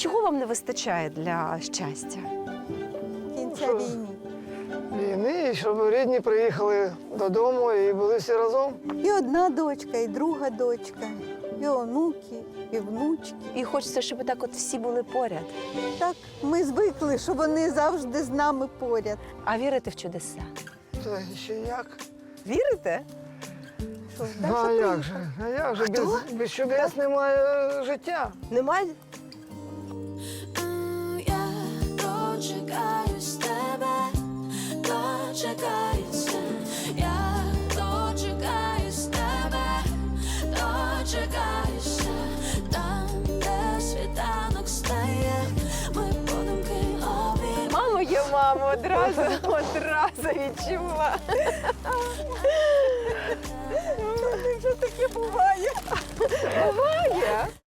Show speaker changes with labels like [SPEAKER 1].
[SPEAKER 1] чого вам не вистачає для щастя?
[SPEAKER 2] Кінця війни.
[SPEAKER 3] Війни, і щоб рідні приїхали додому і були всі разом.
[SPEAKER 2] І одна дочка, і друга дочка, і онуки, і внучки.
[SPEAKER 1] І хочеться, щоб так от всі були поряд.
[SPEAKER 2] Так, ми звикли, що вони завжди з нами поряд.
[SPEAKER 1] А вірите в чудеса?
[SPEAKER 3] Та ще як?
[SPEAKER 1] Вірите?
[SPEAKER 2] Що,
[SPEAKER 3] Ну,
[SPEAKER 2] Даша
[SPEAKER 3] а як
[SPEAKER 2] приїхала.
[SPEAKER 3] же? А як же? Без чудес немає життя.
[SPEAKER 1] Немає?
[SPEAKER 4] Я дочекаюсь тебе, дочекаюся. Я дочекаюсь тебе, дочекаюся. Там, де світанок стає, ми подумки обіймемо.
[SPEAKER 1] Мамо є мамо, одразу відчула.
[SPEAKER 2] Що таке буває?
[SPEAKER 1] Буває.